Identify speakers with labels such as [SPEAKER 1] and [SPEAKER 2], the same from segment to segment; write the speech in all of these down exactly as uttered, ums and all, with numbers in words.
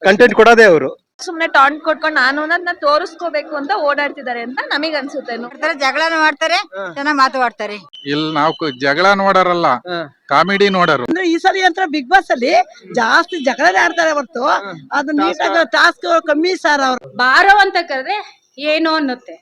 [SPEAKER 1] Content ಕೊಡೋದೇ ಅವರು.
[SPEAKER 2] ಸುಮ್ನೆ ಟಾಂಟ್ ಕೊಟ್ಕೊಂಡು ನಾನು ಅನ್ನೋದನ್ನ ತೋರಿಸ್ಕೋಬೇಕು ಅಂತ ಓಡಾಡ್ತಿದ್ದಾರೆ ಅಂತ ನಮಗ್ ಅನ್ಸುತ್ತೆ.
[SPEAKER 3] ಜಗಳನು ಮಾಡ್ತಾರೆ, ಚೆನ್ನಾಗಿ ಮಾತಾಡ್ತಾರೆ.
[SPEAKER 4] ಇಲ್ಲಿ ನಾವು ಜಗಳ ನೋಡಾರಲ್ಲ, ಕಾಮಿಡಿ ನೋಡರು.
[SPEAKER 5] ಅಂದ್ರೆ ಈ ಸರಿ ಅಂತ ಬಿಗ್ ಬಾಸ್ ಅಲ್ಲಿ ಜಾಸ್ತಿ ಜಗಳನೇ ಆಡ್ತಾರೆ ಹೊರತು ಅದು ನೀಟಾಗಿ ಟಾಸ್ಕ್ ಕಮ್ಮಿ ಸರ್. ಅವ್ರು
[SPEAKER 2] ಬಾರೋ ಅಂತ ಕರೆದ್ರೆ ಏನೋ ಅನ್ನುತ್ತೆ.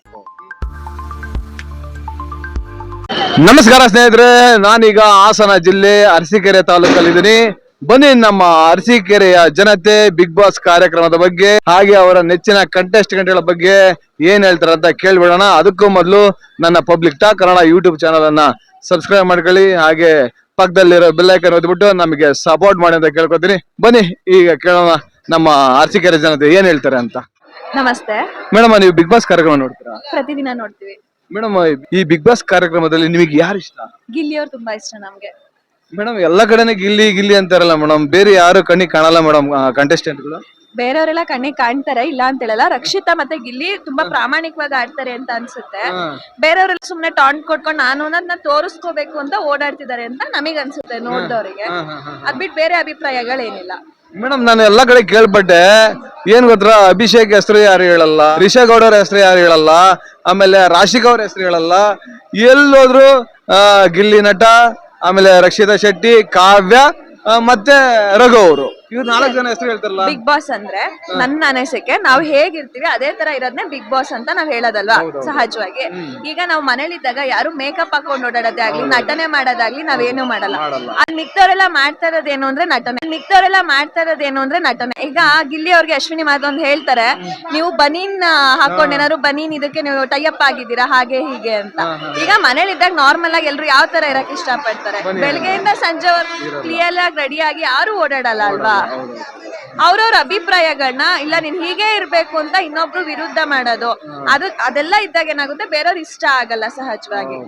[SPEAKER 1] ನಮಸ್ಕಾರ ಸ್ನೇಹಿತರೆ, ನಾನೀಗ ಹಾಸನ ಜಿಲ್ಲೆ ಅರಸೀಕೆರೆ ತಾಲೂಕಲ್ಲಿದ್ದೀನಿ. ಬನ್ನಿ ನಮ್ಮ ಅರಸೀಕೆರೆಯ ಜನತೆ ಬಿಗ್ ಬಾಸ್ ಕಾರ್ಯಕ್ರಮದ ಬಗ್ಗೆ ಹಾಗೆ ಅವರ ನೆಚ್ಚಿನ ಕಂಟೆಸ್ಟೆಂಟ್ಗಳ ಬಗ್ಗೆ ಏನ್ ಹೇಳ್ತಾರೆ ಅಂತ ಕೇಳ್ಬಿಡೋಣ. ಅದಕ್ಕೂ ಮೊದಲು ನನ್ನ public talk Kannada YouTube channel ಅನ್ನ ಸಬ್ಸ್ಕ್ರೈಬ್ ಮಾಡ್ಕೊಳ್ಳಿ, ಹಾಗೆ ಪಕ್ಕದಲ್ಲಿರೋ ಬೆಲ್ ಐಕಾನ್ ಒತ್ಬಿಟ್ಟು ನಮಗೆ ಸಪೋರ್ಟ್ ಮಾಡಿ ಅಂತ ಕೇಳ್ಕೊತೀನಿ. ಬನ್ನಿ ಈಗ ಕೇಳೋಣ ನಮ್ಮ ಅರಸೀಕೆರೆ ಜನತೆ ಏನ್ ಹೇಳ್ತಾರೆ ಅಂತ.
[SPEAKER 2] ನಮಸ್ತೆ
[SPEAKER 1] ಮೇಡಮ್, ನೀವು ಬಿಗ್ ಬಾಸ್ ಕಾರ್ಯಕ್ರಮ ನೋಡ್ತೀರಾ?
[SPEAKER 2] ಪ್ರತಿದಿನ ನೋಡ್ತೀವಿ.
[SPEAKER 1] ಮೇಡಮ್, ಈ ಬಿಗ್ ಬಾಸ್ ಕಾರ್ಯಕ್ರಮದಲ್ಲಿ ನಿಮಗೆ ಯಾರು ಇಷ್ಟ?
[SPEAKER 2] ಗಿಲ್ಲಿ ಅವ್ರು ತುಂಬಾ ಇಷ್ಟ ನಮ್ಗೆ.
[SPEAKER 1] ಮೇಡಮ್, ಎಲ್ಲಾ ಕಡೆನೆ ಗಿಲ್ಲಿ ಗಿಲ್ಲಿ ಅಂತಾರಲ್ಲ ಮೇಡಮ್, ಬೇರೆ ಯಾರು ಕಣ್ಣಿಗೆ ಕಾಣಲ್ಲ ಮೇಡಮ್ ಕಂಟೆಸ್ಟೆಂಟ್ಗಳು?
[SPEAKER 2] ಬೇರೆಯವರೆಲ್ಲ ಕಣ್ಣಿಗೆ ಕಾಣ್ತಾರೆ, ಇಲ್ಲ ಅಂತ ಹೇಳಲ್ಲ. ರಕ್ಷಿತಾ ಮತ್ತೆ ಗಿಲ್ಲಿ ತುಂಬಾ ಪ್ರಾಮಾಣಿಕವಾಗಿ ಆಡ್ತಾರೆ ಅಂತ ಅನ್ಸುತ್ತೆ. ಬೇರೆಯವರೆಲ್ಲ ಸುಮ್ನೆ ಟಾಂಟ್ ಕೊಟ್ಕೊಂಡು ನಾನು ಅನ್ನೋದನ್ನ ತೋರಿಸ್ಕೋಬೇಕು ಅಂತ ಓಡಾಡ್ತಿದ್ದಾರೆ ಅಂತ ನಮಗ್ ಅನ್ಸುತ್ತೆ ನೋಡ್ದವ್ರಿಗೆ. ಅದ್ ಬಿಟ್ಟು ಬೇರೆ ಅಭಿಪ್ರಾಯಗಳೇನಿಲ್ಲ. ಮೇಡಮ್,
[SPEAKER 1] ನಾನು ಎಲ್ಲಾ ಕಡೆ ಕೇಳ್ಪಟ್ಟೆ, ಏನ್ ಗೊತ್ತಾ, ಅಭಿಷೇಕ್ ಹೆಸರು ಯಾರು ಹೇಳಲ್ಲ, ರಿಷಾ ಗೌಡ ಅವ್ರ ಹೆಸರು ಯಾರು ಹೇಳಲ್ಲ, ಆಮೇಲೆ ರಾಶಿಕಾ ಅವ್ರ ಹೆಸರು ಹೇಳಲ್ಲ. ಎಲ್ಲೋದ್ರು ಆ ಗಿಲ್ಲಿ ನಟ, ಆಮೇಲೆ ರಕ್ಷಿತಾ ಶೆಟ್ಟಿ, ಕಾವ್ಯ ಮತ್ತೆ ರಘು ಅವರು, ಇವ್ರು ನಾಲ್ಕು ಜನ ಹೆಸರು ಹೇಳ್ತಾರಲ್ಲ.
[SPEAKER 2] ಬಿಗ್ ಬಾಸ್ ಅಂದ್ರೆ ನನ್ನ ಅನಿಸಿಕೆ ನಾವು ಹೇಗಿರ್ತೀವಿ ಅದೇ ತರ ಇರೋದ್ನೇ ಬಿಗ್ ಬಾಸ್ ಅಂತ ನಾವ್ ಹೇಳೋದಲ್ವಾ ಸಹಜವಾಗಿ. ಈಗ ನಾವು ಮನೇಲಿದ್ದಾಗ ಯಾರು ಮೇಕಪ್ ಹಾಕೊಂಡ್ ಓಡಾಡೋದೇ ಆಗ್ಲಿ, ನಟನೆ ಮಾಡೋದಾಗ್ಲಿ ನಾವೇನು ಮಾಡಲ್ಲ. ಅಲ್ಲಿ ಮಿಕ್ದವರೆಲ್ಲ ಮಾಡ್ತಾ ಇರೋದೇನು ಅಂದ್ರೆ ನಟನೆ ಮಿಕ್ದವರೆಲ್ಲ ಮಾಡ್ತಾ ಇರೋದೇನು ಅಂದ್ರೆ ನಟನೆ. ಈಗ ಗಿಲ್ಲಿ ಅವ್ರಿಗೆ ಅಶ್ವಿನಿ ಮಾತೊಂದು ಹೇಳ್ತಾರೆ, ನೀವು ಬನೀನ್ ಹಾಕೊಂಡ್ ಏನಾದ್ರು ಬನೀನ್ ಇದಕ್ಕೆ ನೀವು ಟೈಅಪ್ ಆಗಿದ್ದೀರಾ ಹಾಗೆ ಹೀಗೆ ಅಂತ. ಈಗ ಮನೇಲಿದ್ದಾಗ ನಾರ್ಮಲ್ ಆಗಿ ಎಲ್ರು ಯಾವ ತರ ಇರಕ್ ಇಷ್ಟ ಪಡ್ತಾರೆ? ಬೆಳಗ್ಗೆಯಿಂದ ಸಂಜೆವರೆಗೂ ಕ್ಲಿಯರ್ ಆಗಿ ರೆಡಿ ಆಗಿ ಯಾರು ಓಡಾಡಲ್ಲ ಅಲ್ವಾ. ಅವ್ರವ್ರ ಅಭಿಪ್ರಾಯಗಳನ್ನ ಇಲ್ಲ ನೀನ್ ಹೀಗೆ ಇರ್ಬೇಕು ಅಂತ ಇನ್ನೊಬ್ರು ವಿರುದ್ಧ ಮಾಡೋದು, ಅದು ಅದೆಲ್ಲ ಇದ್ದಾಗ ಏನಾಗುತ್ತೆ, ಬೇರೆಯವ್ರು ಇಷ್ಟ ಆಗಲ್ಲ ಸಹಜವಾಗಿ.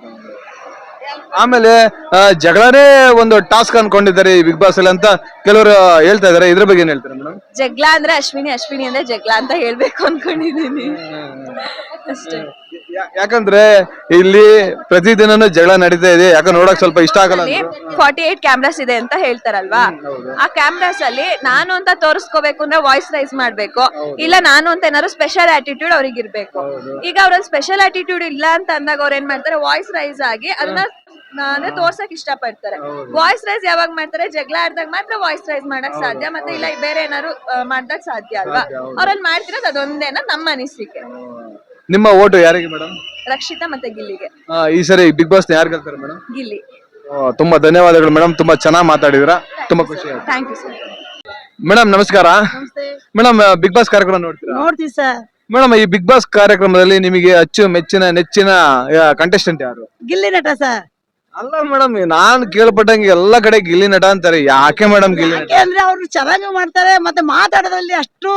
[SPEAKER 1] ಆಮೇಲೆ ಜಗಳನೇ ಒಂದು ಟಾಸ್ಕ್ ಅನ್ಕೊಂಡಿದ್ದಾರೆ ಈ ಬಿಗ್ ಬಾಸ್ ಅಲ್ಲಿ ಅಂತ ಕೆಲವರು ಹೇಳ್ತಾ ಇದಾರೆ. ಇದ್ರ ಬಗ್ಗೆ ಏನ್ ಹೇಳ್ತಾರೆ ಮೇಡಮ್?
[SPEAKER 2] ಜಗಳ ಅಂದ್ರೆ ಅಶ್ವಿನಿ, ಅಶ್ವಿನಿ ಅಂದ್ರೆ ಜಗಳ ಅಂತ ಹೇಳ್ಬೇಕು ಅನ್ಕೊಂಡಿದೀನಿ ಅಷ್ಟೇ.
[SPEAKER 1] ಯಾಕಂದ್ರೆ ಇಲ್ಲಿ ಪ್ರತಿದಿನನೂ ಜಗಳ ನಡೀತಾ ಇದೆ, ಯಾಕಂದ್ರೆ ನೋಡಕ್ ಸ್ವಲ್ಪ ಇಷ್ಟ ಆಗಲ್ಲ.
[SPEAKER 2] ಫಾರ್ಟಿ ಏಟ್ ಕ್ಯಾಮ್ರಾಸ್ ಇದೆ ಅಂತ ಹೇಳ್ತಾರಲ್ವಾ, ಆ ಕ್ಯಾಮ್ರಾಸ್ ಅಲ್ಲಿ ನಾನು ಅಂತ ತೋರಿಸ್ಕೋಬೇಕು ಅಂದ್ರೆ ವಾಯ್ಸ್ ರೈಸ್ ಮಾಡ್ಬೇಕು, ಇಲ್ಲ ನಾನು ಅಂತ ಏನಾದ್ರು ಸ್ಪೆಷಲ್ ಆಟಿಟ್ಯೂಡ್ ಅವ್ರಿಗೆ ಇರ್ಬೇಕು. ಈಗ ಅವ್ರಲ್ಲಿ ಸ್ಪೆಷಲ್ ಆಟಿಟ್ಯೂಡ್ ಇಲ್ಲ ಅಂತ ಅಂದಾಗ ಅವ್ರು ಏನ್ ಮಾಡ್ತಾರೆ, ವಾಯ್ಸ್ ರೈಸ್ ಆಗಿ ಅದನ್ನ ಅಂದ್ರೆ ತೋರ್ಸಕ್ ಇಷ್ಟ ಪಡ್ತಾರೆ. ವಾಯ್ಸ್ ರೈಸ್ ಯಾವಾಗ ಮಾಡ್ತಾರೆ? ಜಗಳ ಆಡ್ದಾಗ ಮಾತ್ರ ವಾಯ್ಸ್ ರೈಸ್ ಮಾಡಕ್ ಸಾಧ್ಯ, ಮತ್ತೆ ಇಲ್ಲ ಬೇರೆ ಏನಾದ್ರು ಮಾಡ್ದಾಗ ಸಾಧ್ಯ ಅಲ್ವಾ. ಅವ್ರಲ್ಲಿ ಮಾಡ್ತಿರೋದು ಅದೊಂದೇನ ನಮ್ಮ ಅನಿಸಿಕೆ.
[SPEAKER 1] ನಿಮ್ಮ ಓಟು ಯಾರಿಗೆ ಮೇಡಮ್?
[SPEAKER 2] ರಕ್ಷಿತಾ ಮತ್ತೆ ಗಿಲ್ಲಿಗೆ.
[SPEAKER 1] ಈ ಸರಿ ಬಿಗ್ ಬಾಸ್ ಯಾರು ಗೆಲ್ತಾರೆ ಮೇಡಮ್?
[SPEAKER 2] ಗಿಲ್ಲಿ.
[SPEAKER 1] ತುಂಬಾ ಧನ್ಯವಾದಗಳು ಮೇಡಮ್, ತುಂಬಾ ಚೆನ್ನಾಗಿ ಮಾತಾಡಿದ್ರ, ತುಂಬಾ ಖುಷಿ ಆಯ್ತು.
[SPEAKER 2] Thank you sir.
[SPEAKER 1] ಮೇಡಮ್ ನಮಸ್ಕಾರ. ಮೇಡಮ್, ಬಿಗ್ ಬಾಸ್ ಕಾರ್ಯಕ್ರಮ ನೋಡ್ತೀರಾ?
[SPEAKER 5] ನೋಡ್ತೀವಿ ಸರ್.
[SPEAKER 1] ಮೇಡಮ್, ಈ ಬಿಗ್ ಬಾಸ್ ಕಾರ್ಯಕ್ರಮದಲ್ಲಿ ನಿಮಗೆ ಅಚ್ಚು ಮೆಚ್ಚಿನ ನೆಚ್ಚಿನ ಕಂಟೆಸ್ಟೆಂಟ್ ಯಾರು?
[SPEAKER 5] ಗಿಲ್ಲಿ ನಟ ಸರ್.
[SPEAKER 1] ಅಲ್ಲ ಮೇಡಮ್, ನಾನ್ ಕೇಳ್ಪಟ್ಟಂಗೆ ಎಲ್ಲಾ ಕಡೆ ಗಿಲ್ಲಿ ನಟ ಅಂತಾರೆ, ಯಾಕೆ ಮೇಡಮ್ ಗಿಲ್ಲಿ ನಟ?
[SPEAKER 5] ಅಂದ್ರೆ ಅವ್ರು ಚೆನ್ನಾಗಿ ಮಾಡ್ತಾರೆ, ಮತ್ತೆ ಮಾತಾಡೋದ್ರಲ್ಲಿ ಅಷ್ಟು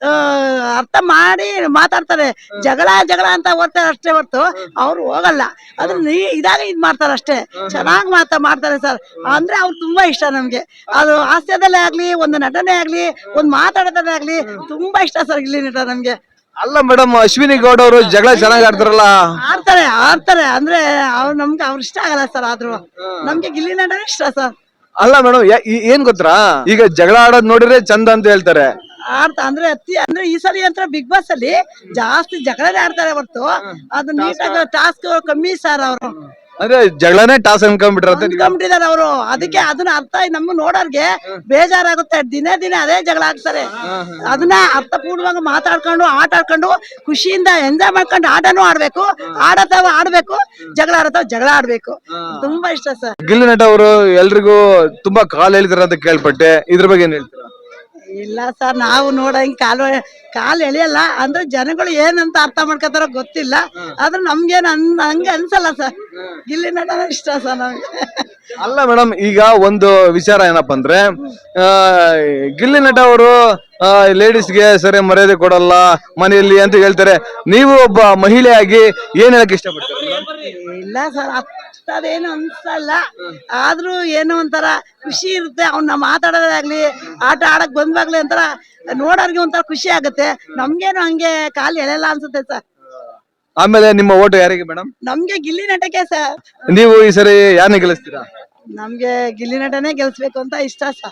[SPEAKER 5] ಅರ್ಥ ಮಾಡಿ ಮಾತಾಡ್ತಾರೆ. ಜಗಳ ಜಗಳ ಅಂತ ಓದ್ತಾರೆ ಅಷ್ಟೇ ಹೊರ್ತು ಅವ್ರು ಹೋಗಲ್ಲ. ಅದ್ರ ಇದಾಗ ಇದ್ ಮಾಡ್ತಾರೆ ಅಷ್ಟೇ, ಚೆನ್ನಾಗಿ ಮಾತಾ ಮಾಡ್ತಾರೆ ಸರ್. ಅಂದ್ರೆ ಅವ್ರು ತುಂಬಾ ಇಷ್ಟ ನಮ್ಗೆ. ಅದು ಹಾಸ್ಯದಲ್ಲೇ ಆಗ್ಲಿ, ಒಂದು ನಟನೆ ಆಗ್ಲಿ, ಒಂದು ಮಾತಾಡೋದಲ್ಲೇ ಆಗ್ಲಿ ತುಂಬಾ ಇಷ್ಟ ಸರ್ ಗಿಲ್ಲಿ ನಟ ನಮ್ಗೆ.
[SPEAKER 1] ಅಲ್ಲ ಮೇಡಮ್, ಅಶ್ವಿನಿ ಗೌಡ ಅವರು ಜಗಳ ಚೆನ್ನಾಗಿ ಆಡ್ತಾರಲ್ಲ?
[SPEAKER 5] ಆಡ್ತಾರೆ ಆಡ್ತಾರೆ ಅಂದ್ರೆ ಅವ್ರು ನಮ್ಗೆ ಅವ್ರು ಇಷ್ಟ ಆಗಲ್ಲ ಸರ್, ಆದ್ರೂ ನಮ್ಗೆ ಗಿಲ್ಲಿ ನಟನೆ ಇಷ್ಟ ಸರ್.
[SPEAKER 1] ಅಲ್ಲ ಮೇಡಮ್, ಏನ್ ಗೊತ್ತಾ, ಈಗ ಜಗಳ ಆಡೋದ್ ನೋಡಿದ್ರೆ ಚಂದ ಅಂತ ಹೇಳ್ತಾರೆ.
[SPEAKER 5] ಆಡ್ತಾ ಅಂದ್ರೆ ಅತಿ ಅಂದ್ರೆ ಈ ಸರಿ ಅಂತ ಬಿಗ್ ಬಾಸ್ ಅಲ್ಲಿ ಜಾಸ್ತಿ ಜಗಳನೇ ಆಡ್ತಾರೆ ಹೊರತು ಅದು ನೀಟಾಗಿ ಟಾಸ್ಕ್ ಕಮ್ಮಿ ಸರ್. ಅವರು
[SPEAKER 1] ಅಂದ್ರೆ ಜಗಳನೇ ಟಾಸ್
[SPEAKER 5] ಅನ್ಕೊಂಡ್ಬಿಟ್ಟಿದ್ದಾರೆ ಅವರು. ಅದಕ್ಕೆ ಅದನ್ನ ಅರ್ಥ ನಮ್ಗೆ ನೋಡೋರ್ಗೆ ಬೇಜಾರಾಗುತ್ತೆ. ದಿನೇ ದಿನೇ ಅದೇ ಜಗಳ ಆಗ್ತಾರೆ. ಅದನ್ನ ಅರ್ಥಪೂರ್ಣವಾಗಿ ಮಾತಾಡ್ಕೊಂಡು ಆಟ ಆಡ್ಕೊಂಡು ಖುಷಿಯಿಂದ ಎಂಜಾಯ್ ಮಾಡ್ಕೊಂಡು ಆಟನೂ ಆಡ್ಬೇಕು, ಆಡತಾವ ಆಡ್ಬೇಕು, ಜಗಳ ಆಡತಾವ ಜಗಳ ಆಡ್ಬೇಕು. ತುಂಬಾ ಇಷ್ಟ ಸರ್.
[SPEAKER 1] ಗಿಲ್ಲಿ ನಟ ಅವರು ಎಲ್ರಿಗೂ ತುಂಬಾ ಕಾಲ್ ಹೇಳಿದಾರೆ ಅಂತ ಕೇಳ್ಪಟ್ಟೆ, ಇದ್ರ ಬಗ್ಗೆ ಏನ್ ಹೇಳ್ತೀರಾ?
[SPEAKER 5] ಇಲ್ಲ ಸರ್, ನಾವು ನೋಡಂಗ್ ಕಾಲು ಕಾಲು ಎಳೆಯಲ್ಲ. ಅಂದ್ರೆ ಜನಗಳು ಏನಂತ ಅರ್ಥ ಮಾಡ್ಕೊತಾರೋ ಗೊತ್ತಿಲ್ಲ, ಆದ್ರೆ ನಮ್ಗೇನು ಅನ್ ಹಂಗೆ ಅನ್ಸಲ್ಲ ಸರ್. ಗಿಲ್ಲಿ ನಟ ಇಷ್ಟ ಸರ್ ನಮ್ಗೆ.
[SPEAKER 1] ಅಲ್ಲ ಮೇಡಮ್, ಈಗ ಒಂದು ವಿಚಾರ ಏನಪ್ಪಾ ಅಂದ್ರೆ, ಆ ಗಿಲ್ಲಿ ನಟ ಅವರು ಲೇಡೀಸ್ಗೆ ಸರಿ ಮರ್ಯಾದೆ ಕೊಡಲ್ಲ ಮನೆಯಲ್ಲಿ ಅಂತ ಹೇಳ್ತಾರೆ. ನೀವು ಒಬ್ಬ ಮಹಿಳೆಯಾಗಿ ಏನ್ ಹೇಳಕ್ ಇಷ್ಟಪಡ್ತೀರಾ?
[SPEAKER 5] ಇಲ್ಲ ಸರ್, ಅದೇನು ಅನ್ಸಲ್ಲ. ಆದ್ರೂ ಏನೋ ಒಂಥರ ಖುಷಿ ಇರುತ್ತೆ. ಅವ್ನ ಮಾತಾಡೋದಾಗ್ಲಿ, ಆಟ ಆಡಕ್ ಬಂದ್ವಾಗ್ಲಿ ಒಂಥರ ನೋಡೋರ್ಗೆ ಒಂಥರ ಖುಷಿ ಆಗುತ್ತೆ. ನಮ್ಗೇನು ಹಂಗೆ ಕಾಲು ಎಳೆಯಲ್ಲ ಅನ್ಸುತ್ತೆ ಸರ್.
[SPEAKER 1] ಆಮೇಲೆ ನಿಮ್ಮ ಓಟು ಯಾರಿಗೆ ಮೇಡಮ್?
[SPEAKER 5] ನಮ್ಗೆ ಗಿಲ್ಲಿ ನಟಕ್ಕೆ ಸರ್.
[SPEAKER 1] ನೀವು ಈ ಸರಿ ಯಾರನ್ನ ಗೆಲ್ಲಿಸ್ತೀರಾ?
[SPEAKER 5] ನಮ್ಗೆ ಗಿಲ್ಲಿ ನಟನೆ ಗೆಲ್ಸ್ಬೇಕು ಅಂತ ಇಷ್ಟ ಸರ್.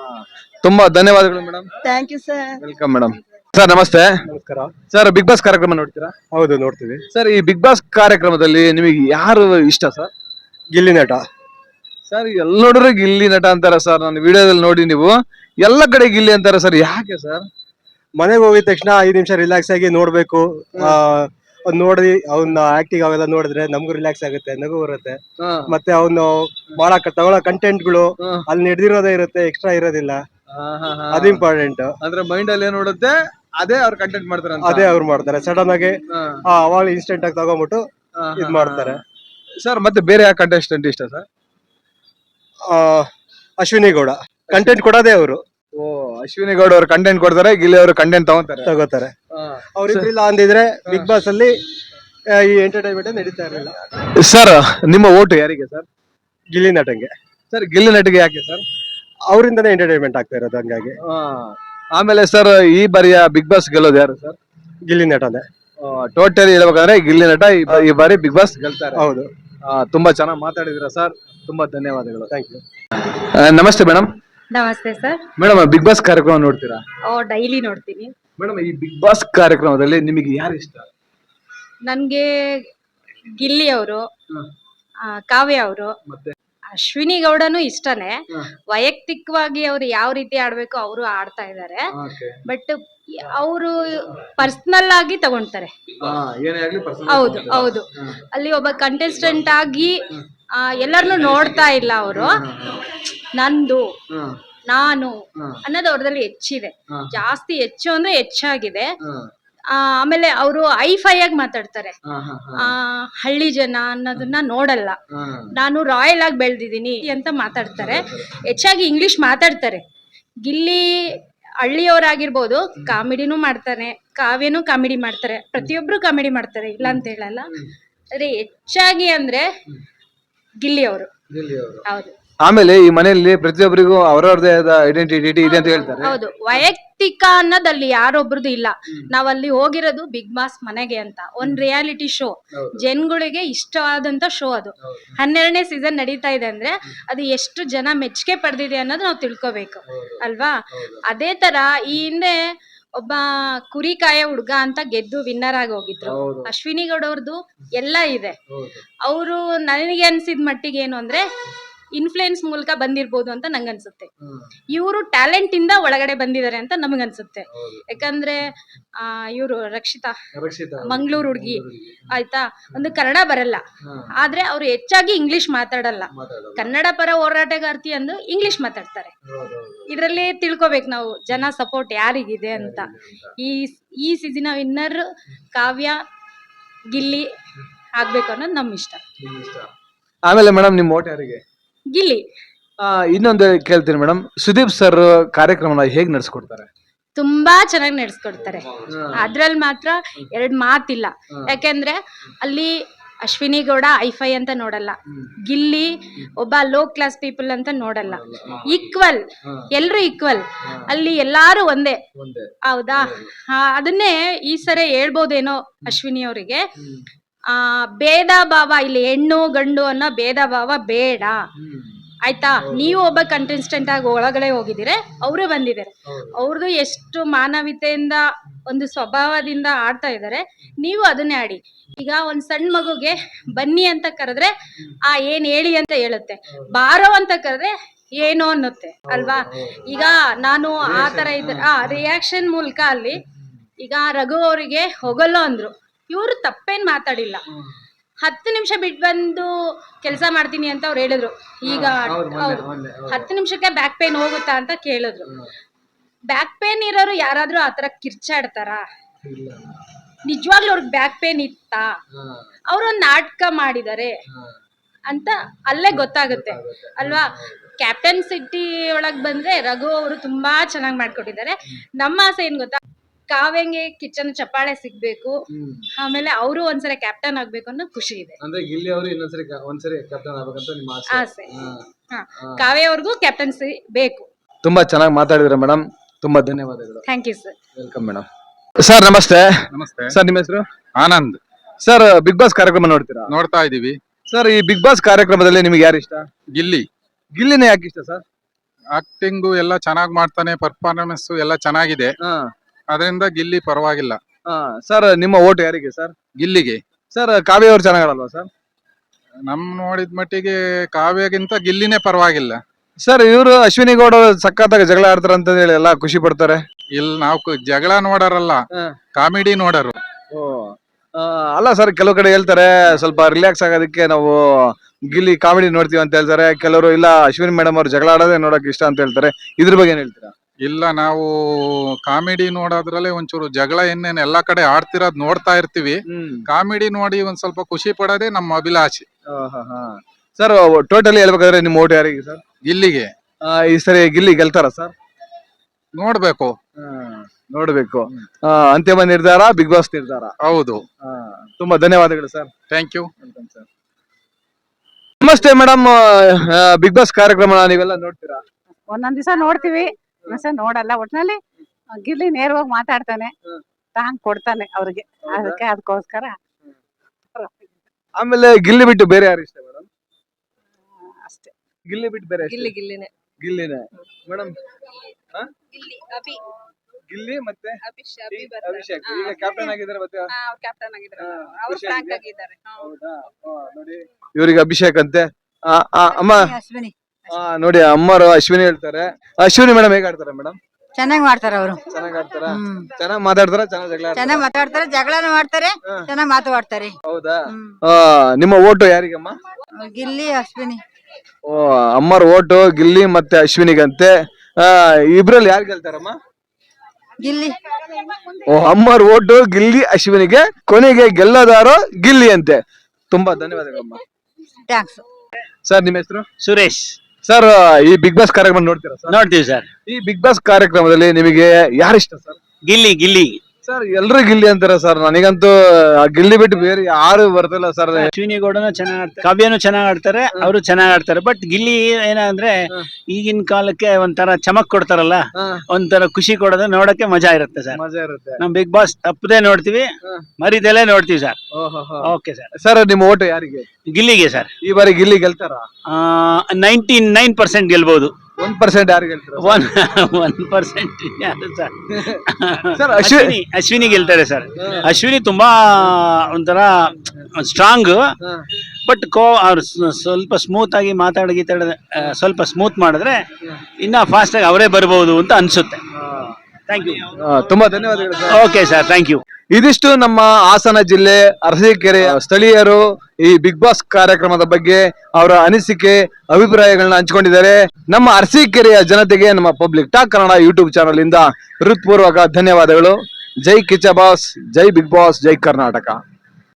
[SPEAKER 1] ತುಂಬಾ ಧನ್ಯವಾದಗಳು madam.
[SPEAKER 5] Thank you sir.
[SPEAKER 1] Welcome madam. Sir ನಮಸ್ತೆ.
[SPEAKER 6] ನಮಸ್ಕಾರ.
[SPEAKER 1] ಸರ್ ಬಿಗ್ ಬಾಸ್ ಕಾರ್ಯಕ್ರಮ ನೋಡ್ತೀರಾ?
[SPEAKER 6] ಹೌದು, ನೋಡ್ತೀವಿ.
[SPEAKER 1] ಸರ್ ಈ ಬಿಗ್ ಬಾಸ್ ಕಾರ್ಯಕ್ರಮದಲ್ಲಿ ನಿಮಗೆ ಯಾರು ಇಷ್ಟ ಸರ್?
[SPEAKER 6] ಗಿಲ್ಲಿ ನಟ.
[SPEAKER 1] ಸರ್ ಎಲ್ಲ ನೋಡಿದ್ರೆ ಗಿಲ್ಲಿ ನಟ ಅಂತಾರ ಸರ್. ನಾನು ವಿಡಿಯೋದಲ್ಲಿ ನೋಡಿ ನೀವು ಎಲ್ಲ ಕಡೆ ಗಿಲ್ಲಿ ಅಂತಾರ ಸರ್, ಯಾಕೆ ಸರ್?
[SPEAKER 6] ಮನೆಗೆ ಹೋಗಿದ ತಕ್ಷಣ ಐದು ನಿಮಿಷ ರಿಲ್ಯಾಕ್ಸ್ ಆಗಿ ನೋಡ್ಬೇಕು. ಆ ಅವ್ನ್ ನೋಡಿ ಅವನ ಆಕ್ಟಿಂಗ್ ಅವೆಲ್ಲ ನೋಡಿದ್ರೆ ನಮಗೂ ರಿಲ್ಯಾಕ್ಸ್ ಆಗುತ್ತೆ, ನಗು ಬರುತ್ತೆ. ಮತ್ತೆ ಅವನು ಮಾಡಕ್ ತಗೊಳ್ಳೋ ಕಂಟೆಂಟ್ಗಳು ಅಲ್ಲಿ ನಡೆದಿರೋದೇ ಇರುತ್ತೆ, ಎಕ್ಸ್ಟ್ರಾ ಇರೋದಿಲ್ಲ. ಅದು ಇಂಪಾರ್ಟೆಂಟ್.
[SPEAKER 1] ಅಂದ್ರೆ ಮೈಂಡ್ ಅಲ್ಲಿ ಏನ್ ನೋಡುತ್ತೆ ಅದೇ ಅವ್ರು ಕಂಟೆಂಟ್ ಮಾಡ್ತಾರೆ ಅಂತ.
[SPEAKER 6] ಅದೇ ಅವ್ರು ಮಾಡ್ತಾರೆ. ಸಡನ್ ಆಗಿ ಅವಾಗ ಇನ್ಸ್ಟೆಂಟ್ ಆಗಿ ತಗೊಂಡ್ಬಿಟ್ಟು ಇದ್ ಮಾಡ್ತಾರೆ.
[SPEAKER 1] ಸರ್ ಮತ್ತೆ ಬೇರೆ ಯಾವ ಕಂಟೆಸ್ಟೆಂಟ್ ಇಷ್ಟ ಸರ್?
[SPEAKER 6] ಆ ಅಶ್ವಿನಿ ಗೌಡ ಕಂಟೆಂಟ್ ಕೊಡೋದೇ ಅವರು.
[SPEAKER 1] ಓ, ಅಶ್ವಿನಿ ಗೌಡ ಅವರು ಕಂಟೆಂಟ್ ಕೊಡ್ತಾರೆ, ಗಿಲ್ಲಿ ಅವರು ಕಂಟೆಂಟ್ ತಗೋತಾರೆ
[SPEAKER 6] ತಗೋತಾರೆ. ಅವ್ರಿಬ್ರಿಲ್ಲ ಅಂದಿದ್ರೆ ಬಿಗ್ ಬಾಸ್ ಅಲ್ಲಿ ಆ, ಈ ಎಂಟರ್ಟೈನ್ಮೆಂಟ್ ನಡೀತಾ ಇರಲಿಲ್ಲ.
[SPEAKER 1] ಸರ್ ನಿಮ್ಮ ಓಟು ಯಾರಿಗೆ ಸರ್?
[SPEAKER 6] ಗಿಲ್ಲಿ ನಟಂಗೆ.
[SPEAKER 1] ಸರ್ ಗಿಲ್ಲಿ ನಟಿಗೆ ಯಾಕೆ ಸರ್?
[SPEAKER 6] ಅವರಿಂದನೇ ಎಂಟರ್ಟೈನ್ಮೆಂಟ್ ಆಗ್ತಾ ಇರೋದು, ಹಂಗಾಗಿ.
[SPEAKER 1] ಆಮೇಲೆ ಸರ್ ಈ ಬಾರಿಯ ಬಿಗ್ ಬಾಸ್ ಗೆಲ್ಲೋದು ಯಾರು ಸರ್?
[SPEAKER 6] ಗಿಲ್ಲಿ ನಟನೆ.
[SPEAKER 1] ಟೋಟಲಿ ಹೇಳ್ಬೇಕಂದ್ರೆ ಗಿಲ್ಲಿ ನಟ ಈ ಬಾ- ಈ ಬಾರಿ ಬಿಗ್ ಬಾಸ್ ಗೆಲ್ತಾರೆ.
[SPEAKER 6] ಹೌದು.
[SPEAKER 1] ಆ, ತುಂಬಾ ಚೆನ್ನಾಗಿ ಮಾತಾಡಿದಿರ ಸರ್, ತುಂಬಾ ಧನ್ಯವಾದಗಳು.
[SPEAKER 6] Thank you.
[SPEAKER 1] ನಮಸ್ತೆ ಮೇಡಮ್.
[SPEAKER 3] ನಮಸ್ತೆ ಸರ್.
[SPEAKER 1] ಮೇಡಮ್ ಬಿಗ್ ಬಾಸ್ ಕಾರ್ಯಕ್ರಮ ನೋಡ್ತೀರಾ?
[SPEAKER 3] ಓ, ಡೈಲಿ ನೋಡ್ತೀನಿ.
[SPEAKER 1] ಮೇಡಮ್ ಈ ಬಿಗ್ ಬಾಸ್ ಕಾರ್ಯಕ್ರಮದಲ್ಲಿ ನಿಮಗೆ ಯಾರು ಇಷ್ಟ?
[SPEAKER 3] ನನ್ಗೆ ಗಿಲ್ಲಿ ಅವರು, ಕಾವ್ಯ ಅವರು,
[SPEAKER 1] ಮತ್ತೆ
[SPEAKER 3] ಅಶ್ವಿನಿ ಗೌಡನು ಇಷ್ಟನೇ. ವೈಯಕ್ತಿಕವಾಗಿ ಅವ್ರು ಯಾವ ರೀತಿ ಆಡ್ಬೇಕು ಅವರು ಆಡ್ತಾ ಇದ್ದಾರೆ. ಬಟ್ ಅವರು ಪರ್ಸನಲ್ ಆಗಿ ತಗೊಂತಾರೆ. ಹೌದು ಹೌದು. ಅಲ್ಲಿ ಒಬ್ಬ ಕಂಟೆಸ್ಟೆಂಟ್ ಆಗಿ ಎಲ್ಲರನ್ನು ನೋಡ್ತಾ ಇಲ್ಲ ಅವರು. ನಂದು ನಾನು ಅನ್ನೋದು ಅವ್ರದಲ್ಲಿ ಹೆಚ್ಚಿದೆ, ಜಾಸ್ತಿ ಹೆಚ್ಚು ಅಂದ್ರೆ ಹೆಚ್ಚಾಗಿದೆ. ಆ, ಆಮೇಲೆ ಅವರು ಐ ಫೈ ಆಗಿ ಮಾತಾಡ್ತಾರೆ. ಆ ಹಳ್ಳಿ ಜನ ಅನ್ನೋದನ್ನ ನೋಡಲ್ಲ. ನಾನು ರಾಯಲ್ ಆಗಿ ಬೆಳ್ದಿದೀನಿ ಅಂತ ಮಾತಾಡ್ತಾರೆ. ಹೆಚ್ಚಾಗಿ ಇಂಗ್ಲಿಷ್ ಮಾತಾಡ್ತಾರೆ. ಗಿಲ್ಲಿ ಹಳ್ಳಿಯವರಾಗಿರ್ಬೋದು, ಕಾಮಿಡಿನೂ ಮಾಡ್ತಾನೆ, ಕಾವ್ಯನೂ ಕಾಮಿಡಿ ಮಾಡ್ತಾರೆ, ಪ್ರತಿಯೊಬ್ರು ಕಾಮಿಡಿ ಮಾಡ್ತಾರೆ, ಇಲ್ಲ ಅಂತ ಹೇಳಲ್ಲ. ಆದ್ರೆ ಹೆಚ್ಚಾಗಿ ಅಂದ್ರೆ ಗಿಲ್ಲಿ ಅವರು. ಹೌದು.
[SPEAKER 1] ಆಮೇಲೆ ಈ ಮನೆಯಲ್ಲಿ ಪ್ರತಿಯೊಬ್ಬರಿಗೂ ಅವರವ್ರದೇ ಆದ ಐಡೆಂಟಿಟಿ ಇದೆ ಅಂತ ಹೇಳ್ತಾರೆ.
[SPEAKER 3] ಹೌದು, ವೈಯಕ್ತಿಕ ಅನ್ನೋದಲ್ಲಿ ಯಾರೊಬ್ರದ್ದು ಇಲ್ಲ. ನಾವಲ್ಲಿ ಹೋಗಿರೋದು ಬಿಗ್ ಬಾಸ್ ಮನೆಗೆ ಅಂತ, ಒಂದ್ ರಿಯಾಲಿಟಿ ಶೋ, ಜನಗಳಿಗೆ ಇಷ್ಟವಾದಂತ ಶೋ ಅದು. ಹನ್ನೆರಡನೇ ಸೀಸನ್ ನಡೀತಾ ಇದೆ ಅಂದ್ರೆ ಅದು ಎಷ್ಟು ಜನ ಮೆಚ್ಚುಗೆ ಪಡೆದಿದೆ ಅನ್ನೋದು ನಾವು ತಿಳ್ಕೊಬೇಕು ಅಲ್ವಾ. ಅದೇ ತರ ಈ ಹಿಂದೆ ಒಬ್ಬ ಕುರಿಕಾಯ ಹುಡ್ಗ ಅಂತ ಗೆದ್ದು ವಿನ್ನರ್ ಆಗಿ ಹೋಗಿದ್ರು. ಅಶ್ವಿನಿ ಗೌಡ ಅವ್ರದ್ದು ಎಲ್ಲ ಇದೆ. ಅವರು ನನಗೆ ಅನ್ಸಿದ ಮಟ್ಟಿಗೆ ಏನು ಅಂದ್ರೆ ಇನ್ಫ್ಲೂಯೆನ್ಸ್ ಮೂಲಕ ಬಂದಿರ್ಬೋದು ಅಂತ ನಂಗೆ ಅನ್ಸುತ್ತೆ. ಇವರು ಟ್ಯಾಲೆಂಟ್ ಇಂದ ಒಳಗಡೆ ಬಂದಿದ್ದಾರೆ ಅಂತ ನಮಗ್ ಅನ್ಸುತ್ತೆ. ಯಾಕಂದ್ರೆ ಆ ಇವರು ರಕ್ಷಿತಾ ಮಂಗಳೂರು ಹುಡುಗಿ ಆಯ್ತಾ, ಒಂದು ಕನ್ನಡ ಬರಲ್ಲ, ಆದ್ರೆ ಅವ್ರು ಹೆಚ್ಚಾಗಿ ಇಂಗ್ಲಿಷ್ ಮಾತಾಡಲ್ಲ. ಕನ್ನಡ ಪರ ಹೋರಾಟಗಾರ್ತಿ ಅಂದು ಇಂಗ್ಲಿಷ್ ಮಾತಾಡ್ತಾರೆ. ಇದ್ರಲ್ಲಿ ತಿಳ್ಕೊಬೇಕು ನಾವು ಜನ ಸಪೋರ್ಟ್ ಯಾರಿಗಿದೆ ಅಂತ. ಈ ಈ ಸೀಸನ್ ವಿನ್ನರ್ ಕಾವ್ಯ ಗಿಲ್ಲಿ ಆಗ್ಬೇಕು ಅನ್ನೋದು ನಮ್ ಇಷ್ಟ.
[SPEAKER 1] ಆಮೇಲೆ ಮೇಡಮ್ ನಿಮ್ ಓಟ್ ಯಾರಿಗೆ?
[SPEAKER 3] ಗಿಲ್ಲಿ.
[SPEAKER 1] ಆ, ಇನ್ನೊಂದು ಕೇಳ್ತೀನಿ ಮೇಡಮ್, ಸುದೀಪ್ ಸರ್ ಕಾರ್ಯಕ್ರಮನ ಹೇಗ್ ನಡೆಸ್ಕೊಡ್ತಾರೆ?
[SPEAKER 3] ತುಂಬಾ ಚೆನ್ನಾಗಿ ನಡೆಸ್ಕೊಡ್ತಾರೆ. ಅದ್ರಲ್ಲಿ ಮಾತ್ರ ಎರಡ್ ಮಾತಿಲ್ಲ. ಯಾಕೆಂದ್ರೆ ಅಲ್ಲಿ ಅಶ್ವಿನಿ ಗೌಡ ಐಫೈ ಅಂತ ನೋಡಲ್ಲ, ಗಿಲ್ಲಿ ಒಬ್ಬ ಲೋ ಕ್ಲಾಸ್ ಪೀಪಲ್ ಅಂತ ನೋಡಲ್ಲ. ಈಕ್ವಲ್, ಎಲ್ರು ಈಕ್ವಲ್. ಅಲ್ಲಿ ಎಲ್ಲಾರು ಒಂದೇ. ಹೌದಾ? ಅದನ್ನೇ ಈ ಸರಿ ಹೇಳ್ಬೋದೇನೋ ಅಶ್ವಿನಿ ಅವರಿಗೆ. ಆ ಭೇದ ಭಾವ ಇಲ್ಲಿ, ಹೆಣ್ಣು ಗಂಡು ಅನ್ನೋ ಭೇದ ಭಾವ ಬೇಡ ಆಯ್ತಾ. ನೀವು ಒಬ್ಬ ಕಂಟೆಸ್ಟೆಂಟ್ ಆಗಿ ಒಳಗಡೆ ಹೋಗಿದ್ದೀರ, ಅವರು ಬಂದಿದ್ದಾರೆ, ಅವ್ರದ್ದು ಎಷ್ಟು ಮಾನವೀಯತೆಯಿಂದ ಒಂದು ಸ್ವಭಾವದಿಂದ ಆಡ್ತಾ ಇದ್ದಾರೆ. ನೀವು ಅದನ್ನೇ ಆಡಿ. ಈಗ ಒಂದ್ ಸಣ್ಣ ಮಗುಗೆ ಬನ್ನಿ ಅಂತ ಕರೆದ್ರೆ ಆ ಏನ್ ಹೇಳಿ ಅಂತ ಹೇಳುತ್ತೆ, ಬಾರೋ ಅಂತ ಕರೆದ್ರೆ ಏನು ಅನ್ನುತ್ತೆ ಅಲ್ವಾ. ಈಗ ನಾನು ಆ ತರ ಇದ್ರ ಆ ರಿಯಾಕ್ಷನ್ ಮೂಲಕ ಅಲ್ಲಿ ಈಗ ರಘು ಅವರಿಗೆ ಹೋಗಲ್ಲ ಅಂದ್ರು, ಇವರು ತಪ್ಪೇನ್ ಮಾತಾಡಿಲ್ಲ. ಹತ್ತು ನಿಮಿಷ ಬಿಟ್ಟು ಬಂದು ಕೆಲಸ ಮಾಡ್ತೀನಿ ಅಂತ ಅವ್ರು ಹೇಳಿದ್ರು. ಈಗ ಹೌದು, ಹತ್ತು ನಿಮಿಷಕ್ಕೆ ಬ್ಯಾಕ್ ಪೇನ್ ಹೋಗುತ್ತಾ ಅಂತ ಕೇಳಿದ್ರು. ಬ್ಯಾಕ್ ಪೇನ್ ಇರೋರು ಯಾರಾದ್ರೂ ಆತರ ಕಿರ್ಚಾಡ್ತಾರ? ನಿಜವಾಗ್ಲೂ ಅವ್ರಿಗೆ ಬ್ಯಾಕ್ ಪೇನ್ ಇತ್ತಾ? ಅವ್ರೊಂದ್ ನಾಟಕ ಮಾಡಿದಾರೆ ಅಂತ ಅಲ್ಲೇ ಗೊತ್ತಾಗುತ್ತೆ ಅಲ್ವಾ. ಕ್ಯಾಪ್ಟನ್ ಸಿಟಿ ಒಳಗ್ ಬಂದ್ರೆ ರಘು ಅವರು ತುಂಬಾ ಚೆನ್ನಾಗಿ ಮಾಡ್ಕೊಟ್ಟಿದ್ದಾರೆ. ನಮ್ಮ ಆಸೆ ಏನ್ ಗೊತ್ತಾ, ಕಾವ್ಯಂಗೆ ಕಿಚನ್ ಚಪ್ಪಾಳೆ ಸಿಗ್ಬೇಕು, ಆಮೇಲೆ ಅವರು ಒಂದ್ಸರಿ ಕ್ಯಾಪ್ಟನ್ ಆಗ್ಬೇಕು ಅನ್ನೋ ಖುಷಿ ಇದೆ.
[SPEAKER 1] ಅಂದ್ರೆ ಗಿಲ್ಲಿ ಅವರು ಇನ್ನೊಂದ್ಸರಿ ಒಂದ್ಸರಿ ಕ್ಯಾಪ್ಟನ್ ಆಗ್ಬೇಕಂತ ನಿಮ್ಮ
[SPEAKER 3] ಆಸೆ. ಹಾ, ಕಾವ್ಯ ಅವ್ರಿಗೂ ಕ್ಯಾಪ್ಟನ್ಸಿ ಬೇಕು.
[SPEAKER 1] ತುಂಬಾ ಚೆನ್ನಾಗಿ ಮಾತಾಡಿದ್ರೆ ಮೇಡಮ್, ತುಂಬಾ ಧನ್ಯವಾದಗಳು.
[SPEAKER 3] Thank you sir.
[SPEAKER 1] Welcome madam. Sir ನಮಸ್ತೆ.
[SPEAKER 4] ನಮಸ್ತೆ.
[SPEAKER 1] ಸರ್ ನಿಮ್ಮ ಹೆಸರು?
[SPEAKER 4] ಆನಂದ್.
[SPEAKER 1] ಸರ್ ಬಿಗ್ ಬಾಸ್ ಕಾರ್ಯಕ್ರಮ ನೋಡ್ತೀರಾ?
[SPEAKER 4] ನೋಡ್ತಾ ಇದೀವಿ.
[SPEAKER 1] ಸರ್ ಈ ಬಿಗ್ ಬಾಸ್ ಕಾರ್ಯಕ್ರಮದಲ್ಲಿ ನಿಮ್ಗೆ ಯಾರು ಇಷ್ಟ?
[SPEAKER 4] ಗಿಲ್ಲಿ.
[SPEAKER 1] ಗಿಲ್ಲಿನೇ ಯಾಕೆ ಇಷ್ಟ ಸರ್?
[SPEAKER 4] ಆಕ್ಟಿಂಗು ಎಲ್ಲ ಚೆನ್ನಾಗಿ ಮಾಡ್ತಾನೆ, ಪರ್ಫಾರ್ಮೆನ್ಸ್ ಎಲ್ಲ ಚೆನ್ನಾಗಿದೆ, ಅದರಿಂದ ಗಿಲ್ಲಿ ಪರವಾಗಿಲ್ಲ.
[SPEAKER 1] ಸರ್ ನಿಮ್ಮ ಓಟ್ ಯಾರಿಗೆ ಸರ್?
[SPEAKER 4] ಗಿಲ್ಲಿಗೆ.
[SPEAKER 1] ಸರ್ ಕಾವ್ಯ ಅವ್ರು ಚೆನ್ನಾಗಲ್ವಾ ಸರ್?
[SPEAKER 4] ನಮ್ ನೋಡಿದ ಮಟ್ಟಿಗೆ ಕಾವ್ಯಗಿಂತ ಗಿಲ್ಲಿನೇ ಪರವಾಗಿಲ್ಲ.
[SPEAKER 1] ಸರ್ ಇವರು ಅಶ್ವಿನಿ ಗೌಡ ಸಖತ್ತಾಗಿ ಜಗಳ ಆಡ್ತಾರ ಅಂತ ಹೇಳಿ ಎಲ್ಲ ಖುಷಿ ಪಡ್ತಾರೆ.
[SPEAKER 4] ಇಲ್ಲಿ ನಾವು ಕು- ಜಗಳ ನೋಡಾರಲ್ಲ, ಕಾಮಿಡಿ ನೋಡರು.
[SPEAKER 1] ಆ, ಅಲ್ಲ ಸರ್, ಕೆಲವು ಕಡೆ ಹೇಳ್ತಾರೆ ಸ್ವಲ್ಪ ರಿಲ್ಯಾಕ್ಸ್ ಆಗೋದಕ್ಕೆ ನಾವು ಗಿಲ್ಲಿ ಕಾಮಿಡಿ ನೋಡ್ತೀವಿ ಅಂತ ಹೇಳ್ತಾರೆ. ಕೆಲವರು ಇಲ್ಲ ಅಶ್ವಿನಿ ಮೇಡಮ್ ಅವ್ರು ಜಗಳ ಆಡೋದೇ ನೋಡಕ್ ಇಷ್ಟ ಅಂತ ಹೇಳ್ತಾರೆ. ಇದ್ರ ಬಗ್ಗೆ ಏನ್ ಹೇಳ್ತೀರಾ?
[SPEAKER 4] ಇಲ್ಲ, ನಾವು ಕಾಮಿಡಿ ನೋಡೋದ್ರಲ್ಲೇ ಒಂಚೂರು ಜಗಳ ಏನೇನ್ ಎಲ್ಲಾ ಕಡೆ ಆಡ್ತಿರೋದ್ ನೋಡ್ತಾ ಇರ್ತೀವಿ. ಕಾಮಿಡಿ ನೋಡಿ ಒಂದ್ ಸ್ವಲ್ಪ ಖುಷಿ ಪಡೋದೇ ನಮ್ಮ ಅಭಿಲಾಷೆ.
[SPEAKER 1] ಸರ್ ಟೋಟಲಿ ಹೇಳ್ಬೇಕಾದ್ರೆ ನಿಮ್ಮ ಓಟ್ ಯಾರಿಗೆ ಸರ್?
[SPEAKER 4] ಗಿಲ್ಲಿಗೆ.
[SPEAKER 1] ಆ, ಈ ಸರಿ ಗಿಲ್ಲಿ ಗೆಲ್ತಾರ ಸರ್?
[SPEAKER 4] ನೋಡ್ಬೇಕು.
[SPEAKER 1] ನೋಡ್ಬೇಕು. ಆ, ಅಂತಿಮ ನಿರ್ಧಾರ ಬಿಗ್ ಬಾಸ್ ನಿರ್ಧಾರ.
[SPEAKER 4] ಹೌದು.
[SPEAKER 1] ಆ, ತುಂಬಾ ಧನ್ಯವಾದಗಳು ಸರ್.
[SPEAKER 4] Thank you.
[SPEAKER 1] ನಮಸ್ತೆ ಮೇಡಮ್, ಬಿಗ್ ಬಾಸ್ ಕಾರ್ಯಕ್ರಮ ನೀವೆಲ್ಲ ನೋಡ್ತೀರಾ?
[SPEAKER 7] ಒಂದೊಂದ್ ದಿವಸ ನೋಡ್ತೀವಿ, ಒಂದ್ಸ ನೋಡಲ್ಲ. ಒಟ್ನಲ್ಲಿ ಗಿಲ್ಲಿ ನೇರವಾಗಿ ಮಾತಾಡ್ತಾನೆ, ಟಾಂಗ್ ಕೊಡ್ತಾನೆ ಅವ್ರಿಗೆ, ಅದಕ್ಕೆ ಅದಕ್ಕೋಸ್ಕರ
[SPEAKER 1] ಆಮೇಲೆ ಗಿಲ್ಲಿ ಬಿಟ್ಟು ಬೇರೆ ಯಾರು ಇಷ್ಟ ಮೇಡಮ್?
[SPEAKER 7] ಅಷ್ಟೇ.
[SPEAKER 1] ಗಿಲ್ಲಿ ಬಿಟ್ಟು ಬೇರೆ ಯಾರು ಇಷ್ಟ?
[SPEAKER 2] ಗಿಲ್ಲಿ ಗಿಲ್ಲಿನೇ
[SPEAKER 1] ಗಿಲ್ಲಿನೇ ಮೇಡಮ್.
[SPEAKER 2] ಗಿಲ್ಲಿ ಅಭಿ
[SPEAKER 1] ಗಿಲ್ಲಿ ಮತ್ತೆ
[SPEAKER 2] ಅಭಿಷ್
[SPEAKER 1] ಅಭಿಷೇಕ್ ಈಗ ಕ್ಯಾಪ್ಟನ್ ಆಗಿದ್ದಾರೆ ಮತ್ತೆ.
[SPEAKER 2] ಕ್ಯಾಪ್ಟನ್ ಆಗಿದ್ದಾರೆ,
[SPEAKER 1] ಹಾ,
[SPEAKER 2] ಅವ್ರು
[SPEAKER 1] ಖುಷಿ
[SPEAKER 2] ಫ್ರಾಂಕ್
[SPEAKER 1] ಆಗಿದೆ.
[SPEAKER 2] ಆಗಿದ್ದಾರೆ.
[SPEAKER 1] ಹೌದಾ? ಆ, ನೋಡಿ ಇವರಿಗೆ ಅಭಿಷೇಕ್ ಅಂತೆ. ಆ, ಆ, ಅಮ್ಮ
[SPEAKER 5] ಅಶ್ವಿನಿ
[SPEAKER 1] ಆ, ನೋಡಿ ಅಮ್ಮರು ಅಶ್ವಿನಿ ಹೇಳ್ತಾರೆ. ಅಶ್ವಿನಿ ಮೇಡಮ್ ಹೇಗ್ ಆಡ್ತಾರೆ ಮೇಡಮ್?
[SPEAKER 5] ಚೆನ್ನಾಗಿ ಮಾಡ್ತಾರ ಅವರು,
[SPEAKER 1] ಚೆನ್ನಾಗ್ ಆಡ್ತಾರ, ಚೆನ್ನಾಗ್ ಮಾತಾಡ್ತಾರ, ಚೆನ್ನಾಗ್ ಜಗಳ ಆಡ್ತಾರ?
[SPEAKER 5] ಚೆನ್ನಾಗಿ ಮಾತಾಡ್ತಾರೆ, ಜಗಳನ ಮಾಡ್ತಾರೆ, ಚೆನ್ನಾಗಿ ಮಾತಾಡ್ತಾರೆ.
[SPEAKER 1] ಹೌದಾ? ಆ, ನಿಮ್ಮ ಓಟು ಯಾರಿಗಮ್ಮ?
[SPEAKER 5] ಗಿಲ್ಲಿ ಅಶ್ವಿನಿ.
[SPEAKER 1] ಓ, ಅಮ್ಮರ ಓಟು ಗಿಲ್ಲಿ ಮತ್ತೆ ಅಶ್ವಿನಿಗಂತೆ. ಆ, ಇಬ್ರಲ್ಲಿ ಯಾರು ಗೆಲ್ತಾರಮ್ಮ?
[SPEAKER 5] ಗಿಲ್ಲಿ.
[SPEAKER 1] ಓ, ಅಮ್ಮರ ಓಟು ಗಿಲ್ಲಿ ಅಶ್ವಿನಿಗೆ, ಕೊನೆಗೆ ಗೆಲ್ಲದಾರೋ ಗಿಲ್ಲಿ ಅಂತೆ. ತುಂಬಾ ಧನ್ಯವಾದಗಳಮ್ಮ.
[SPEAKER 5] ಥ್ಯಾಂಕ್ಸ್.
[SPEAKER 1] ಸರ್ ನಿಮ್ಮ ಹೆಸರು?
[SPEAKER 8] ಸುರೇಶ್.
[SPEAKER 1] ಸರ್ ಈ ಬಿಗ್ ಬಾಸ್ ಕಾರ್ಯಕ್ರಮ ನೋಡ್ತೀರಾ ಸರ್?
[SPEAKER 8] ನೋಡ್ತೀವಿ ಸರ್.
[SPEAKER 1] ಈ ಬಿಗ್ ಬಾಸ್ ಕಾರ್ಯಕ್ರಮದಲ್ಲಿ ನಿಮಗೆ ಯಾರಿಷ್ಟ ಸರ್?
[SPEAKER 8] ಗಿಲ್ಲಿ ಗಿಲ್ಲಿ
[SPEAKER 1] ಸರ್ ಎಲ್ರು ಗಿಲ್ಲಿ ಅಂತಾರ ಸರ್, ನನಗಂತೂ ಆ ಗಿಲ್ಲಿ ಬಿಟ್ಟು ಬೇರೆ ಯಾರು ಬರ್ತಿಲ್ಲ ಸರ್.
[SPEAKER 8] ಅಶ್ವಿನಿ ಗೌಡನು ಚೆನ್ನಾಗ್ ಆಡ್ತಾರೆ, ಕಾವ್ಯನು ಚೆನ್ನಾಗ್ ಆಡ್ತಾರೆ, ಅವರು ಚೆನ್ನಾಗ್ ಆಡ್ತಾರೆ. ಬಟ್ ಗಿಲ್ಲಿ ಏನಂದ್ರೆ ಈಗಿನ ಕಾಲಕ್ಕೆ ಒಂಥರ ಚಮಕ್ ಕೊಡ್ತಾರಲ್ಲ, ಒಂಥರ ಖುಷಿ ಕೊಡೋದು ನೋಡಕ್ಕೆ ಮಜಾ ಇರುತ್ತೆ ಸರ್.
[SPEAKER 1] ಮಜಾ ಇರುತ್ತೆ.
[SPEAKER 8] ನಮ್ ಬಿಗ್ ಬಾಸ್ ತಪ್ಪದೇ ನೋಡ್ತೀವಿ, ಮರಿದೆಲೆ ನೋಡ್ತೀವಿ ಸರ್. Okay sir.
[SPEAKER 1] ಸರ್ ನಿಮ್ಮ ಓಟು ಯಾರಿಗೆ?
[SPEAKER 8] ಗಿಲ್ಲಿಗೆ ಸರ್.
[SPEAKER 1] ಈ ಬಾರಿ ಗಿಲ್ಲಿ ಗೆಲ್ತಾರ?
[SPEAKER 8] ನೈಂಟಿ ನೈನ್ ಪರ್ಸೆಂಟ್ ಗೆಲ್ಬಹುದು.
[SPEAKER 1] ಒಂದ್ ಪರ್ಸೆಂಟ್ ಯಾರು ಗೆಲ್ತಾರ?
[SPEAKER 8] ಒನ್ ಒನ್ ಪರ್ಸೆಂಟ್ ಯಾರು ಸರ್?
[SPEAKER 1] ಸರ್ ಅಶ್ವಿನಿ
[SPEAKER 8] ಅಶ್ವಿನಿ ಅಶ್ವಿನಿ ಗೆಲ್ತಾರೆ ಸರ್. ಅಶ್ವಿನಿ ತುಂಬಾ ಒಂಥರ ಸ್ಟ್ರಾಂಗ್, ಬಟ್ ಕೋ ಅವ್ರು ಸ್ವಲ್ಪ ಸ್ಮೂತ್ ಆಗಿ ಮಾತಾಡಿ ಸ್ವಲ್ಪ ಸ್ಮೂತ್ ಮಾಡಿದ್ರೆ ಇನ್ನ ಫಾಸ್ಟ್ ಆಗಿ ಅವರೇ ಬರ್ಬೋದು ಅಂತ ಅನ್ಸುತ್ತೆ. Thank you.
[SPEAKER 1] ತುಂಬಾ ಧನ್ಯವಾದಗಳು sir.
[SPEAKER 8] Okay sir, thank you.
[SPEAKER 1] ಇದಿಷ್ಟು ನಮ್ಮ ಹಾಸನ ಜಿಲ್ಲೆ ಅರಸೀಕೆರೆಯ ಸ್ಥಳೀಯರು ಈ ಬಿಗ್ ಬಾಸ್ ಕಾರ್ಯಕ್ರಮದ ಬಗ್ಗೆ ಅವರ ಅನಿಸಿಕೆ ಅಭಿಪ್ರಾಯಗಳನ್ನ ಹಂಚಿಕೊಂಡಿದ್ದಾರೆ. ನಮ್ಮ ಅರಸೀಕೆರೆಯ ಜನತೆಗೆ ನಮ್ಮ public talk Kannada YouTube channel ಇಂದ ಹೃತ್ಪೂರ್ವಕ ಧನ್ಯವಾದಗಳು. ಜೈ ಕಿಚ್ಚ ಬಾಸ್, ಜೈ ಬಿಗ್ ಬಾಸ್, ಜೈ ಕರ್ನಾಟಕ.